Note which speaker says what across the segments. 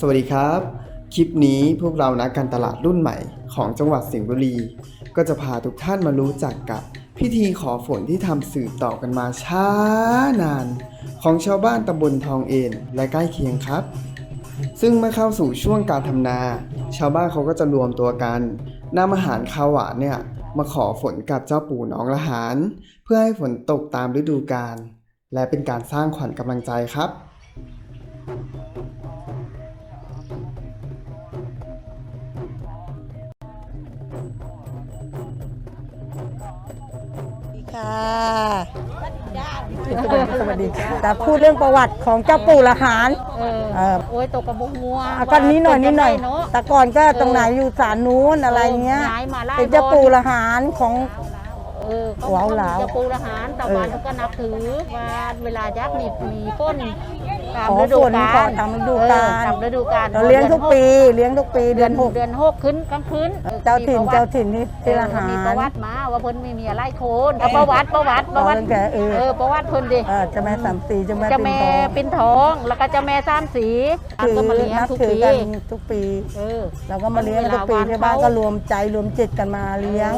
Speaker 1: วัสดีครับคลิปนี้พวกเรานักการตลาดรุ่นใหม่ของจังหวัดสิงห์บุรีก็จะพาทุกท่านมารู้จักกับพิธีขอฝนที่ทำสืบต่อกันมาช้านานของชาวบ้านตำบลทองเอนและใกล้เคียงครับซึ่งเมื่อเข้าสู่ช่วงการทำนาชาวบ้านเขาก็จะรวมตัวกันนำอาหารข้าวหวานเนี่ยมาขอฝนกับเจ้าปู่น้องละหารเพื่อให้ฝนตกตามฤดูกาลและเป็นการสร้างขวัญกำลังใจครับ
Speaker 2: สวัสดีค่ะแต่พูดเรื่องประวัติของเจ้าปู่ละหาร
Speaker 3: โอ้ยตกกระบุกงัว
Speaker 2: ก็นี้หน่อยแต่ก่อนก็ตรงไหนอยู่ศาลนู้นอะไรเงี้ยเป็นเจ้าปู่ละหารของว้าวหลาว
Speaker 3: เจ้าปู่ละหารแต่วันก็นับถือว่าเวลายักษ์มีฝนตามฤดูกาล
Speaker 2: ตามฤดูกาลเรา
Speaker 3: เลี้ยงทุกปี
Speaker 2: เดือน
Speaker 3: 6ขึ้นกลางคืน
Speaker 2: เจ้าถิ่นนี่ที่ละหาร
Speaker 3: มีประวัติมาว่าเพิ่นไม่มีอะไรโคนประวัติประวัติเพิ่นดิ
Speaker 2: เจ้าแม่สามสีเจ้าแม่
Speaker 3: ปิ่นทองแล้วก็เจ้าแม่สามสีก็มาเลี้ยงทุก
Speaker 2: ปีเราก็มาเลี้ยงทุกปีที่บ้านก็รวมใจรวมจิตกันมาเลี้ยง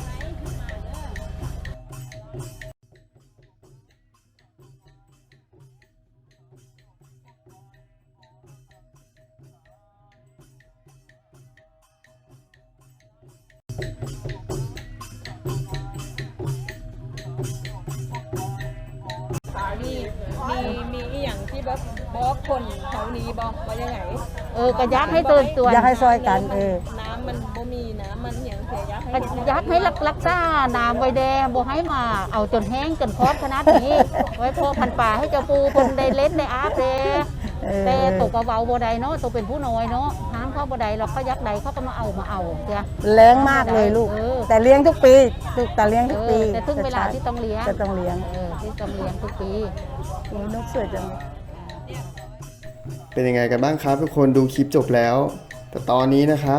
Speaker 4: มีอย่างที่บอกคนแถวนี้บอกว่ายังไง
Speaker 3: ก็ยักให้ตื่นตัว
Speaker 2: ยักให้ซอยกัน
Speaker 4: น้ำมันบ่มีน้ำมันอย่างเสีย
Speaker 3: ยักให้รักษาน้ำไว้แดงบ่ให้มาเอาจนแห้งจนคอดขนาดนี้ไว้พอพันป่าให้เจ้าปูคนได้เล่นได้อาบแต่ตกเบาบ่ได้เนาะตกเป็นผู้น้อยเนาะห้ามเขาบ่ได้เราก็ยักใดเขาก็มาเอาเจ้า
Speaker 2: แรงมากเลยลูกแต่เลี้ยงทุกปีแต่เลี้ยงทุกปี
Speaker 3: แต่ถึงเวลาที่ต้องเลี้ยง
Speaker 2: จะต้องเลี้ยง
Speaker 3: ที่ต้องเลี้ยงทุกปี
Speaker 2: นกสวยจัง
Speaker 1: เป็นยังไงกันบ้างครับทุกคนดูคลิปจบแล้วแต่ตอนนี้นะครับ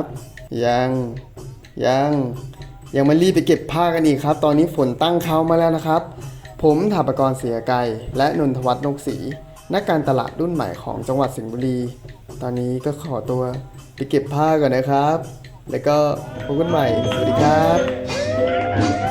Speaker 1: ยังไม่รีบไปเก็บผ้ากันอีกครับตอนนี้ฝนตั้งเขามาแล้วนะครับผมถาปกรเสียไกรและนนทวัฒน์นกศรีนักการตลาดรุ่นใหม่ของจังหวัดสิงห์บุรีตอนนี้ก็ขอตัวไปเก็บผ้าก่อนนะครับแล้วก็พบกันใหม่สวัสดีครับ